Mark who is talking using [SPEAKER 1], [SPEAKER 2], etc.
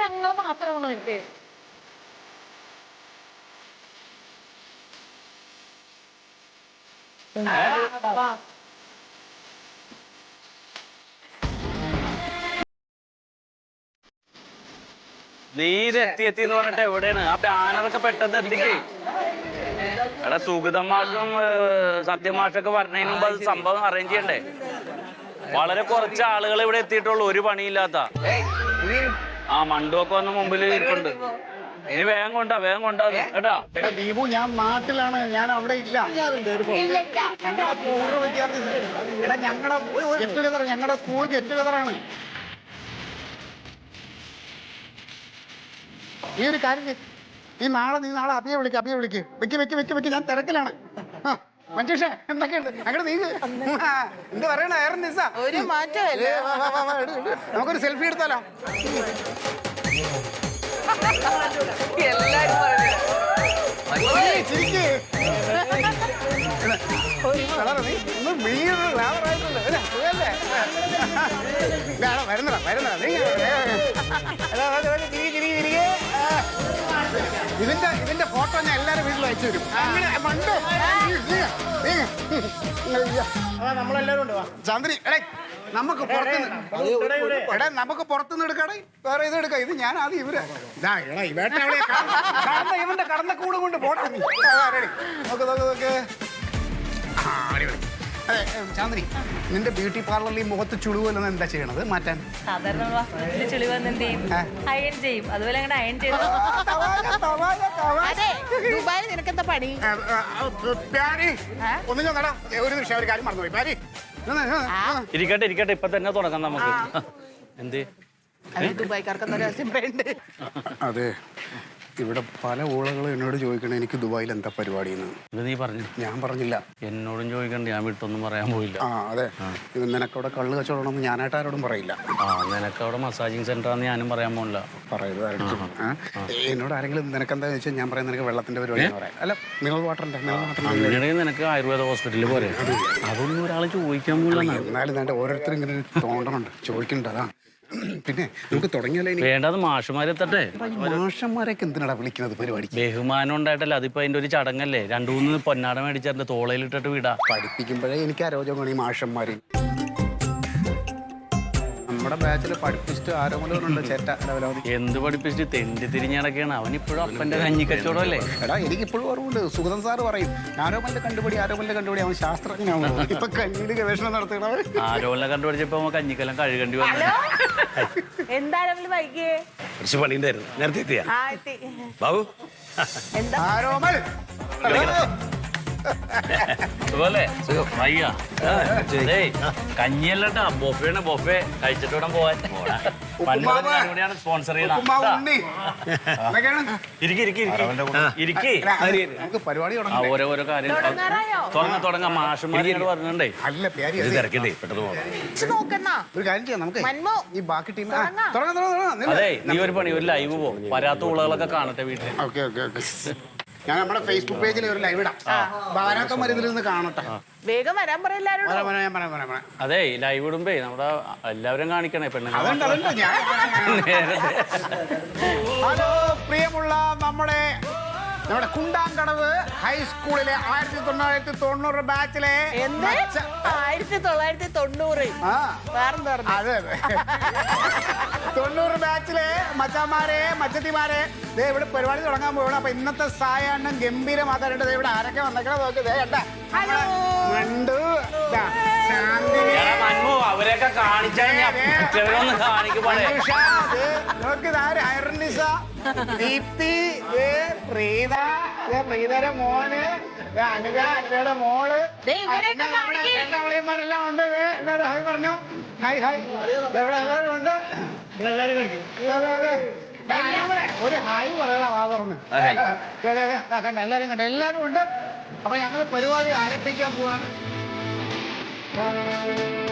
[SPEAKER 1] ഞങ്ങൾ മാത്രമാണോ ഇത്?
[SPEAKER 2] നീ ഇത് എത്തിയെത്തിന്ന് പറഞ്ഞിട്ട് എവിടെയാണ് ആ ബാനറൊക്കെ പെട്ടെന്ന് എത്തിക്കേ. എടാ സുഗതം മാഷും സത്യമാഷൊക്കെ പറഞ്ഞതിന് മുമ്പ് അത് സംഭവം അറേഞ്ച് ചെയ്യണ്ടേ? വളരെ കുറച്ച് ആളുകൾ ഇവിടെ എത്തിയിട്ടുള്ളൂ, ഒരു പണിയില്ലാത്ത. ആ മണ്ടുവൊക്കെ വന്ന് മുമ്പിൽ ഇരിപ്പുണ്ട്. ഇനി വേഗം കൊണ്ടാ കേട്ടാ.
[SPEAKER 3] ദീപു, ഞാൻ നാട്ടിലാണ്, ഞാൻ അവിടെ ഇല്ല. ഞങ്ങളുടെ പൂർവ്വ വിദ്യാർത്ഥി ഞങ്ങളുടെ ഗെറ്റ് ടുഗദർ, ഞങ്ങളുടെ സ്കൂൾ ഗെറ്റ് ടുഗദറാണ്. ഈ ഒരു കാര്യം നീ നാളെ അഭിയെ വിളിക്ക്. വെക്ക് ഞാൻ തിരക്കിലാണ്. മഞ്ജുഷ എന്തൊക്കെയുണ്ട്? അങ്ങോട്ട് നീ എന്ത് പറയണ?
[SPEAKER 4] ഒരു മാറ്റമല്ലേ?
[SPEAKER 3] നമുക്കൊരു സെൽഫി എടുത്താലോ?
[SPEAKER 4] എല്ലാരും
[SPEAKER 3] ഇതിന്റെ ഫോട്ടോ ഞാൻ എല്ലാരും വീട്ടിൽ അയച്ചു തരും. നമ്മളെല്ലാരും ഉണ്ട്. ചന്ദ്രി, നമുക്ക് പുറത്തുനിന്ന് എടുക്കാടേ, വേറെ ഇത് എടുക്കാം. ഇത് ഞാൻ ആദ്യം ഇവന്റെ കടന്ന കൂടെ കൊണ്ട് പോട്ടെ. നോക്ക്. അതെ ചാന്ദ്രി, നിന്റെ ബ്യൂട്ടി പാർലറിൽ ഈ മുഖത്ത് ചുളിവല്ലെന്ന് എന്താ ചെയ്യണത് മാറ്റാൻ?
[SPEAKER 4] ദുബായിൽ നിനക്കെന്താ പണി?
[SPEAKER 3] ഒന്നും നടാ, ഒരു നിമിഷം ഒരു കാര്യം മറന്നുപോയി. പാരി
[SPEAKER 2] ഇരിക്കട്ടെ ഇപ്പൊ തന്നെ തുടങ്ങാം നമുക്ക്. എന്ത്
[SPEAKER 4] ദുബായിക്കാർക്ക് രഹസ്യം വേണ്ടേ?
[SPEAKER 3] അതെ, ഇവിടെ പല ഊളകളും എന്നോട് ചോദിക്കണേ എനിക്ക് ദുബായിൽ എന്താ പരിപാടിയെന്ന്.
[SPEAKER 2] ഇത് നീ പറഞ്ഞു?
[SPEAKER 3] ഞാൻ പറഞ്ഞില്ല.
[SPEAKER 2] എന്നോടും ചോദിക്കണ്ട, ഞാൻ വിട്ടൊന്നും പറയാൻ പോയില്ല.
[SPEAKER 3] അതെ, നിനക്കവിടെ കള്ള് കച്ചവടം ഞാനായിട്ട് ആരോടും പറയില്ല.
[SPEAKER 2] നിനക്കവിടെ മസാജിങ് സെന്റർ ആണെന്ന് ഞാനും പറയാൻ പോണില്ല.
[SPEAKER 3] പറയുന്നത് എന്നോട് ആരെങ്കിലും നിനക്കെന്താ ചോദിച്ചാൽ ഞാൻ പറയാം നിനക്ക് വെള്ളത്തിന്റെ പരിപാടി പറയാം. അല്ല, മിനറൽ വാട്ടറിന്റെ
[SPEAKER 2] അങ്ങനെയാണെങ്കിൽ നിനക്ക് ആയുർവേദ ഹോസ്പിറ്റലിൽ പോരെ? അതൊന്നും ഒരാൾ ചോദിക്കാൻ പോകില്ല.
[SPEAKER 3] എന്നാലും വേണ്ട, ഓരോരുത്തരും ഇങ്ങനെ തോന്നണുണ്ട്, ചോദിക്കുന്നുണ്ട്. അതാ പിന്നെ നമുക്ക് തുടങ്ങിയാലേ.
[SPEAKER 2] വേണ്ടത് മാഷന്മാരെത്തട്ടെ.
[SPEAKER 3] മാഷന്മാരൊക്കെ എന്തിനാ വിളിക്കുന്നത് പരിപാടി?
[SPEAKER 2] ബഹുമാനം ഉണ്ടായിട്ടല്ല, അതിപ്പോ അതിന്റെ ഒരു ചടങ്ങല്ലേ. 2-3 പൊന്നാട മേടിച്ചെന്റെ തോളയിലിട്ടിട്ട് വിടാ.
[SPEAKER 3] പഠിപ്പിക്കുമ്പോഴേ എനിക്ക് അരോചകമാണ് ഈ മാഷന്മാര്. നമ്മുടെ ബാച്ചിൽ പഠിപ്പിച്ചിട്ട് ആരോമലുണ്ട് ചേട്ട.
[SPEAKER 2] എന്ത് പഠിപ്പിച്ചിട്ട് തെണ്ടി തിരിഞ്ഞടക്കാണ് അവനിപ്പോഴും അപ്പന്റെ കഞ്ഞി കച്ചവടമല്ലേ.
[SPEAKER 3] എടാ, എനിക്കിപ്പോഴും ഓർമ്മയുണ്ട്, സുഗതൻ സാറ് പറയും ആരോമലിന്റെ കണ്ടുപിടി അവൻ ശാസ്ത്രജ്ഞനാണ്. ഇപ്പൊ കഞ്ഞിയുടെ ഗവേഷണം നടത്തണം.
[SPEAKER 2] ആരോമലിനെ കണ്ടുപിടിച്ചപ്പോ കഞ്ഞിക്കെല്ലാം കഴുകേണ്ടി വന്നു.
[SPEAKER 4] എന്തായാലും വൈകിയേ?
[SPEAKER 2] കുറച്ച് പണിയുണ്ടായിരുന്നു, നേരത്തെ എത്തിയാ ബാബു.
[SPEAKER 3] ആരോമൽ
[SPEAKER 2] കഞ്ഞിയല്ലട്ടാ, ബൊഫേണ്. ബൊഫേ കഴിച്ചിട്ട് വേണം പോവാൻ. സ്പോൺസർ ചെയ്യണം. ഓരോരോ കാര്യം തുടങ്ങാം. മാഷന്മാരോട് പറഞ്ഞിട്ടുണ്ടേ.
[SPEAKER 3] ഒരു കാര്യം ചെയ്യാം, നമുക്ക് ഈ ബാക്കി ടീം.
[SPEAKER 2] അതെ, നീ ഒരു പണി, ഒരു ലൈവ് പോ, വരാത്ത ഉളകളൊക്കെ കാണട്ടെ വീട്ടിൽ.
[SPEAKER 3] ഞാൻ നമ്മുടെ ഫേസ്ബുക്ക് പേജിൽ ഒരു ലൈവ് ഇടാം. ഭാരതമാർ ഇതിൽ നിന്ന് കാണട്ടെ.
[SPEAKER 4] വേഗം വരാൻ പറയില്ലാരും.
[SPEAKER 2] അതെ, ലൈവ് ഇടുമ്പേ നമ്മുടെ എല്ലാവരും കാണിക്കണേ പെണ്ണുങ്ങൾ.
[SPEAKER 3] ഹലോ പ്രിയമുള്ള നമ്മുടെ കുണ്ടാങ്കടവ് ഹൈസ്കൂളിലെ 1990 ബാച്ചിലെ
[SPEAKER 4] 1990
[SPEAKER 3] അതെ 90 ബാച്ചിലെ മച്ചാന്മാരെ മച്ചത്തിമാരെ ഇവിടെ പരിപാടി തുടങ്ങാൻ പോകണം. അപ്പൊ ഇന്നത്തെ സായാഹ്നം ഗംഭീരമാക്കാനായിട്ട് ഇവിടെ ആരൊക്കെ വന്നേക്കണം നോക്ക്. മണ്ടു,
[SPEAKER 2] അവരെയൊക്കെ
[SPEAKER 3] പ്രീതയുടെ മോന്, അനുജയുടെ മോള്, എല്ലാം ഉണ്ട്. പറഞ്ഞു ഹായ് എല്ലാവരും ഉണ്ട്. ഒരു ഹായ് പറയണം വാ തുറന്ന്. എല്ലാരും കണ്ട എല്ലാരും ഉണ്ട്. അപ്പൊ ഞങ്ങൾ പരിപാടി ആരംഭിക്കാൻ പോവാണ്.